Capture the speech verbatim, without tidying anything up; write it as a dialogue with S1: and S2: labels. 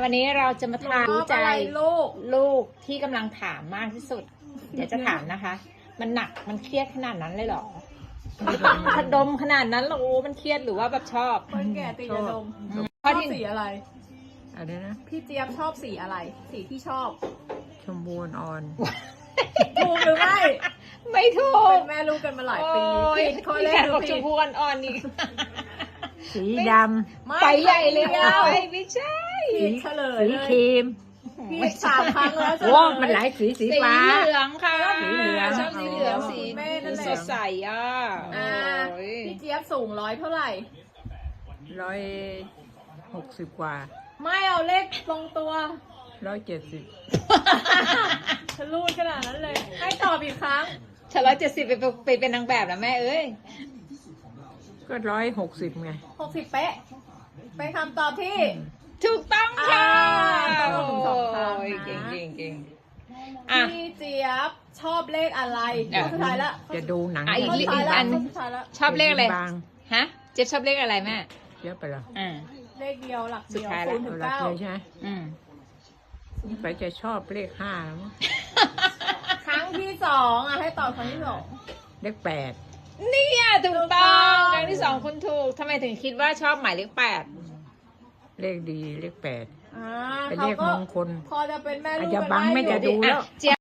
S1: วันนี้เราจะมาถามรู้ใจ
S2: ลูก
S1: ลูกที่กำลังถามมากที่สุด เดี๋ยวจะถามนะคะ มันหนักมันเครียดขนาดนั้นเลยเหรอขดมขนาดนั้นเหรอโอ้มันเครียดหรือว่าแบบชอบ
S2: คนแก่ตียาดมช
S1: ข้อ
S2: อบ
S1: ที่
S2: สีอะไร
S3: อะไรนะ
S2: พี่เจี๊ยบชอบสีอะไร สีที่ชอบ
S3: ชมพูอ่อน
S2: ถูกหรือไม่
S1: ไม่ถูก
S2: เป็นแม่ลูกกันมาหลายปี
S1: โอ้ย
S2: ผิดข้อ
S1: มี
S2: แร
S1: แข
S2: ก
S1: ก
S2: ดู
S1: บอกช
S2: ผิ
S1: ม
S2: ด
S1: พูอ่อนๆนี่
S3: ๆสีด
S2: ไม่
S1: ไปใหญ่เลย
S2: ดี
S1: อ่ะ
S2: ว
S1: ไม่ใช่
S2: ผิดเฉล
S3: ำ
S2: ย
S3: สี
S2: เลย
S3: ครีม
S2: ผิดสามครั้งแล้วเฉลย
S3: โอ้มันหลายสีสี
S1: สี
S3: ฟ้า
S1: เหลืองค่ะ
S3: สีเหลือง
S1: ชอบสีเหลือง
S3: อ๋อ
S1: สี
S2: แม่นั่นแหละ
S1: สดใสอ่ะ
S2: อ่า
S1: โอ้ย
S2: พี่เจี๊ยบสูงร้อยเท่าไหร่
S3: ร้อยหกสิบกว่า
S2: ไม่เอาเลขตรงตัว
S3: ร้อยเจ็ดสิบ
S2: ฉันรูดขนาดนั้นเลย ให้ตอบอีกครั้ง
S1: ฉันร้อยเจ็ดสิบไปไปเป็นนางแบบนะแม่เอ้ย
S3: ก็ร้อยหกสิบไง
S2: หกสิบเป๊ะ ไปนคำตอบที่
S1: ถูกต้องค่ะ
S2: อ่าต้องสองครั้งนะ
S1: โอ้ยเก่งเก่งเก่งอ่ะ
S2: พี่เจี๊ยบชอบเลขอะไร
S1: อ่ะ
S2: ข้อสุดท้ายละ
S3: จะดูหนัง
S1: อ่ะอีก
S2: ข้อ
S1: อี
S2: สุดท้ายละ
S1: อัน
S2: ข้อสุดท้ายละ
S1: ชอบเลขอะไร
S3: บาง
S1: ฮะ เจ๊บชอบเลขอะไรแม่
S3: เยอะไปเหรอ
S1: อ่า
S2: เลขเดียวหลัก
S1: สุ
S2: เดี
S1: ด
S2: ยว
S1: ท้ายละ
S2: ศูนย์ถึ
S3: เอา
S2: ง
S3: ละ
S2: เก้า
S3: เลยใช่ไหม
S1: อืม
S3: ไปจะชอบเลขห้าแล้วมั้ง
S2: ครั้งที่สองอ่ะให้ตอบครั้งที่สอง
S3: เลขแปด
S1: เนี่ยถูกต้องครั้งที่สองคุณถูกทำไมถึงคิดว่าชอบหมายเลขแปด
S3: เลขดีเลขแปด
S2: อ่า
S3: เป็น
S2: เขา
S3: เลข
S2: ก็
S3: มงคล
S2: พอจะเป็นแม่ลูก
S3: อาจจะ
S2: กัน
S3: บัง
S2: ด้
S3: ไม่
S2: อยู่
S3: จะดูแล้ว
S1: เจี๊ยบ